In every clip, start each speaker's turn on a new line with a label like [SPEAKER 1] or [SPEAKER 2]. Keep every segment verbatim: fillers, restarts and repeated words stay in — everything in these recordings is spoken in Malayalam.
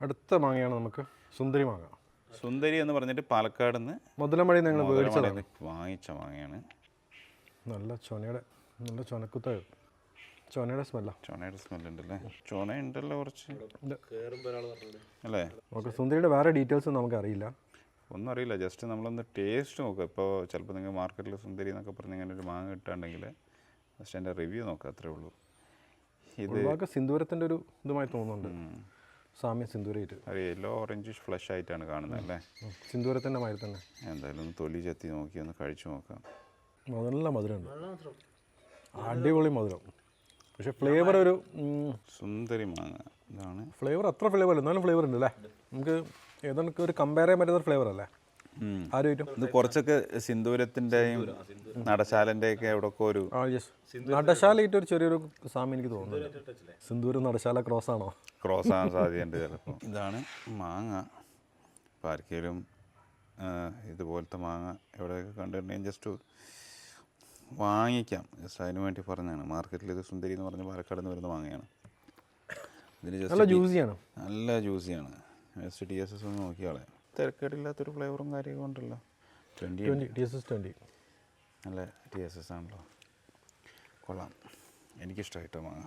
[SPEAKER 1] അടുത്ത മാങ്ങയാണ് നമുക്ക് സുന്ദരി മാങ്ങ.
[SPEAKER 2] സുന്ദരി എന്ന് പറഞ്ഞിട്ട് പാലക്കാട് നിന്ന്
[SPEAKER 1] മുതലമഴയിൽ നിങ്ങൾ മേടിച്ചതാണ്,
[SPEAKER 2] വാങ്ങിച്ച മാങ്ങയാണ്.
[SPEAKER 1] നല്ല ചൊനയുടെ നല്ല ചൊനക്കുത്ത ചൊനയുടെ സ്മെല്ല.
[SPEAKER 2] ചൊനയുടെ സ്മെല്ലുണ്ടല്ലേ? ചൊന ഉണ്ടല്ലോ കുറച്ച് അല്ലേ?
[SPEAKER 1] ഓക്കെ, സുന്ദരിയുടെ വേറെ ഡീറ്റെയിൽസ് നമുക്ക് അറിയില്ല,
[SPEAKER 2] ഒന്നും അറിയില്ല. ജസ്റ്റ് നമ്മളൊന്ന് ടേസ്റ്റ് നോക്കുക. ഇപ്പോൾ ചിലപ്പോൾ നിങ്ങൾ മാർക്കറ്റിൽ സുന്ദരി എന്നൊക്കെ പറഞ്ഞ് ഇങ്ങനെ ഒരു മാങ്ങ കിട്ടുകയാണെങ്കിൽ ജസ്റ്റ് എൻ്റെ റിവ്യൂ നോക്കുക, അത്രേ ഉള്ളൂ.
[SPEAKER 1] ഇത് സിന്ദൂരത്തിൻ്റെ ഒരു ഇതുമായി തോന്നുന്നുണ്ട്, സാമ്യ സിന്ദൂരമായിട്ട്.
[SPEAKER 2] ഒരു യെല്ലോ ഓറഞ്ചിഷ് ഫ്ലഷ് ആയിട്ടാണ് കാണുന്നത് അല്ലേ?
[SPEAKER 1] സിന്ദൂരത്തിൻ്റെ മാതിരി തന്നെ.
[SPEAKER 2] എന്തായാലും ഒന്ന് തൊലി ചെത്തി നോക്കി ഒന്ന് കഴിച്ചു നോക്കാം.
[SPEAKER 1] നല്ല മധുരമുണ്ട്, അടിപൊളി മധുരം. പക്ഷെ ഫ്ലേവർ ഒരു
[SPEAKER 2] സുന്ദരി മാങ്ങ ഇതാണ്.
[SPEAKER 1] ഫ്ലേവർ അത്ര ഫ്ലേവർ അല്ല, എന്നാലും ഫ്ലേവർ ഉണ്ട് അല്ലേ? നമുക്ക് ഏതാണ്ട് ഒരു കമ്പയർ ചെയ്യാൻ പറ്റുന്ന ഫ്ലേവർ അല്ലേ ആരും?
[SPEAKER 2] ഇത് കുറച്ചൊക്കെ സിന്ദൂരത്തിൻ്റെയും നടശാലൻ്റെയൊക്കെ എവിടെയൊക്കെ ഒരു
[SPEAKER 1] ആ യെസ്, നടശാലയിട്ട് ഒരു ചെറിയൊരു സാമ്യം എനിക്ക് തോന്നുന്നുണ്ട്. സിന്ദൂരം നടശാല ക്രോസ് ആണോ?
[SPEAKER 2] ക്രോസ് ആകാൻ സാധ്യതയുണ്ട് ചിലപ്പോൾ. ഇതാണ് മാങ്ങ. ഇപ്പോൾ ആർക്കെങ്കിലും ഇതുപോലത്തെ മാങ്ങ എവിടെയൊക്കെ കണ്ടിട്ടുണ്ടെങ്കിൽ ജസ്റ്റ് വാങ്ങിക്കാം. ജസ്റ്റ് അതിന് വേണ്ടി പറഞ്ഞതാണ്. മാർക്കറ്റിൽ ഇത് സുന്ദരി എന്ന് പറഞ്ഞ പാലക്കാട് നിന്ന് വരുന്ന മാങ്ങയാണ്. ഇതിന്
[SPEAKER 1] നല്ല ജ്യൂസിയാണ്,
[SPEAKER 2] നല്ല ജ്യൂസിയാണ്. ജസ്റ്റ് ടി എസ് എസ് ഒന്ന് നോക്കിയാളെ. തിരക്കേടില്ലാത്തൊരു ഫ്ലേവറും കാര്യമൊക്കെ ഉണ്ടല്ലോ. Twenty
[SPEAKER 1] T S S twenty
[SPEAKER 2] നല്ല ടി എസ് എസ് ആണല്ലോ, കൊള്ളാം. എനിക്കിഷ്ടമായിട്ടോ മാങ്ങ.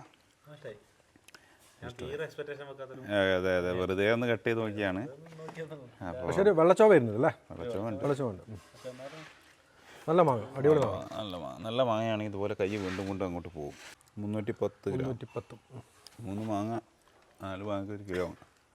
[SPEAKER 2] അതെ അതെ, വെറുതെ ഒന്ന് കട്ട് ചെയ്ത് നോക്കിയാണ്. അപ്പോൾ
[SPEAKER 1] പക്ഷേ ഒരു വെള്ളച്ചോവ വരുന്നത് അല്ലേ?
[SPEAKER 2] വെള്ളച്ചോവുണ്ട്,
[SPEAKER 1] വെള്ളച്ചോവുണ്ട്. നല്ല മാങ്ങ, അടിപൊളി മാങ്ങ.
[SPEAKER 2] നല്ല മാങ്ങ, നല്ല മാങ്ങയാണെങ്കിൽ ഇതുപോലെ കൈ വീണ്ടും കൊണ്ടും അങ്ങോട്ട് പോകും. മുന്നൂറ്റി പത്ത് ഗ്രാം,
[SPEAKER 1] നൂറ്റി പത്തും
[SPEAKER 2] മൂന്ന് മാങ്ങ നാല് മാങ്ങ ഒരു കിലോ.